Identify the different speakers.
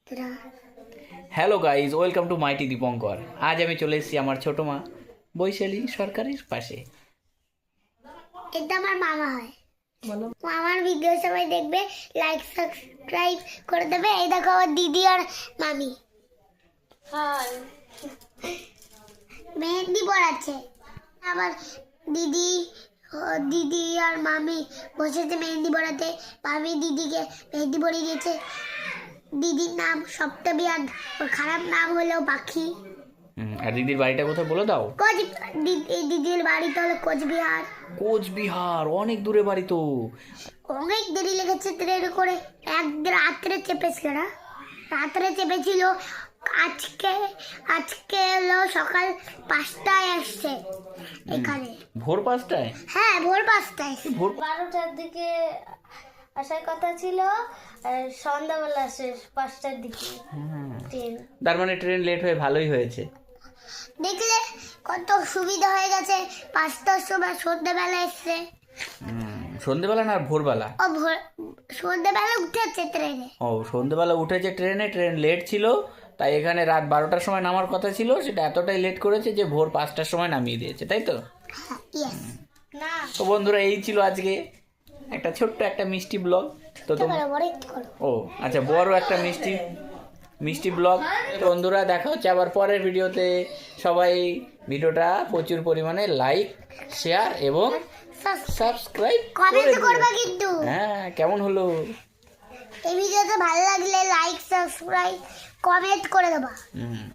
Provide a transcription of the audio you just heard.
Speaker 1: Hello guys, welcome to mighty Dipankar. আজ আমি চলে এসেছি আমার ছোট মা বৈশালী সরকারের পাশে।
Speaker 2: এটা আমার মামা হয়। মামার ভিডিও সবাই দেখবে, লাইক সাবস্ক্রাইব করে দেবে। এই দেখো আমার দিদি আর মামি মেহেন্দি পড়াচ্ছে। আমার দিদি দিদি আর মামি বসেছে মেহেন্দি পড়াতে। মামি দিদিকে মেহেন্দি পড়িয়ে দিয়েছে। দিদির নাম সপ্তমী আর ওর খারাপ নাম হলো পাখি।
Speaker 1: আর দিদির বাড়িটা কোথায় বলে দাও?
Speaker 2: দিদির বাড়িটা হলো কোচবিহার।
Speaker 1: কোচবিহার অনেক দূরে বাড়ি তো।
Speaker 2: অনেক দেরি লেগেছে ট্রেনে করে। এক রাত্রে চেপেছিল না, রাত্রে চেপেছিল। আজকে আজকে হলো সকাল 5টায় আসছে এখানে।
Speaker 1: ভোর 5টায়?
Speaker 2: হ্যাঁ, ভোর 5টায়।
Speaker 1: ভোর
Speaker 3: 12টার দিকে আসার কথা ছিল, আর সন্ধ্যাবেলা আসে 5টার দিকে ট্রেন।
Speaker 1: তার মানে ট্রেন লেট হয়ে ভালোই হয়েছে।
Speaker 2: দেখলে কত সুবিধা হয়ে গেছে। 5টার সময় সন্ধ্যাবেলা এসছে।
Speaker 1: সন্ধেবেলা না ভোরবেলা?
Speaker 2: ও ভোর সন্ধ্যাবেলা উঠেছে ট্রেনে।
Speaker 1: ও, সন্ধেবেলা উঠেছে ট্রেনে, ট্রেন লেট ছিল, তাই এখানে রাত 12টার সময় নামার কথা ছিল, সেটা এতটাই লেট করেছে যে ভোর 5টার সময় নামিয়ে দিয়েছে, তাই তো?
Speaker 2: ইয়েস।
Speaker 3: না,
Speaker 1: তো বন্ধুরা, এই ছিল আজকে একটা ছোট্ট একটা মিষ্টি ব্লগ। তো ও আচ্ছা, বড় একটা মিষ্টি ব্লগ। তো বন্ধুরা, দেখা হচ্ছে আবার পরের ভিডিওতে। সবাই ভিডিওটা প্রচুর পরিমাণে লাইক, শেয়ার এবং সাবস্ক্রাইব
Speaker 2: কমেন্ট
Speaker 1: করে
Speaker 2: করবা
Speaker 1: দিও।
Speaker 2: কিন্তু।
Speaker 1: হ্যাঁ, কেমন হলো?
Speaker 2: এই ভিডিওতে ভালো লাগলে লাইক সাবস্ক্রাইব কমেন্ট করে দেবা।